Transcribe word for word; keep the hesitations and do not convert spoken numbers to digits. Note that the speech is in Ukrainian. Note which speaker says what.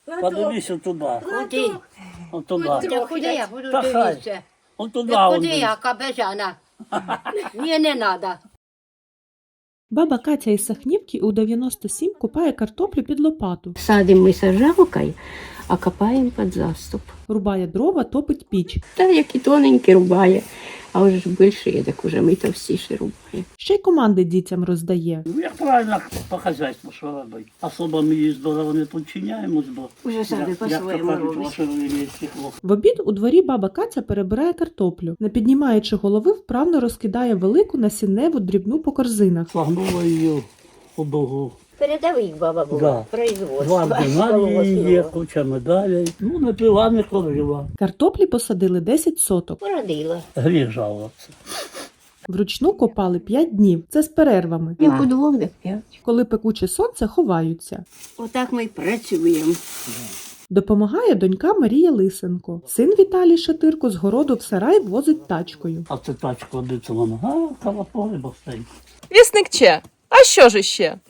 Speaker 1: Подивись туди.
Speaker 2: Куди?
Speaker 1: От туди.
Speaker 2: Та куди я буду
Speaker 1: Та хай.
Speaker 2: дивитися?
Speaker 1: От туди.
Speaker 2: Та
Speaker 1: он
Speaker 2: куди
Speaker 1: дивись.
Speaker 2: я, кабежана? Ні, не треба.
Speaker 3: Баба Катя із Сахнівки у дев'яносто сім копає картоплю під лопату,
Speaker 2: Садимо ми сажалкою, а копаємо під заступ.
Speaker 3: рубає дрова, топить піч.
Speaker 2: Та які тоненькі рубає, а вже ж більше, так уже ми товстіші рубаємо.
Speaker 3: Ще й команди дітям роздає.
Speaker 1: Ну, як правильно по хазяйству, що робити. Особо ми їй здорово не підчиняємось, бо
Speaker 2: Уже самі
Speaker 1: як-
Speaker 2: по-своєму
Speaker 1: як то кажуть,
Speaker 2: робить.
Speaker 1: ваше величество.
Speaker 3: В обід у дворі баба Катя перебирає картоплю. Не піднімаючи голови, вправно розкидає велику насінневу дрібну по корзинах.
Speaker 1: Слагнула її у дугу.
Speaker 2: Передовик баба була,
Speaker 1: Да.
Speaker 2: производство.
Speaker 1: Два ординарії є, куча медалей. Ну, не пила, не кормила.
Speaker 3: Картоплі посадили десять соток.
Speaker 2: Породила.
Speaker 1: Гріх жалуватися.
Speaker 3: Вручну копали п'ять днів. Це з перервами.
Speaker 2: Як у двох, так п'ять.
Speaker 3: Коли пекуче сонце, ховаються.
Speaker 2: Отак ми й працюємо.
Speaker 3: Допомагає донька Марія Лисенко. Син Віталій Шатирко з городу в сарай возить тачкою.
Speaker 1: А це тачка одиться вона. А, калаполи бо стоїть.
Speaker 4: Вісник Че. А що ж іще?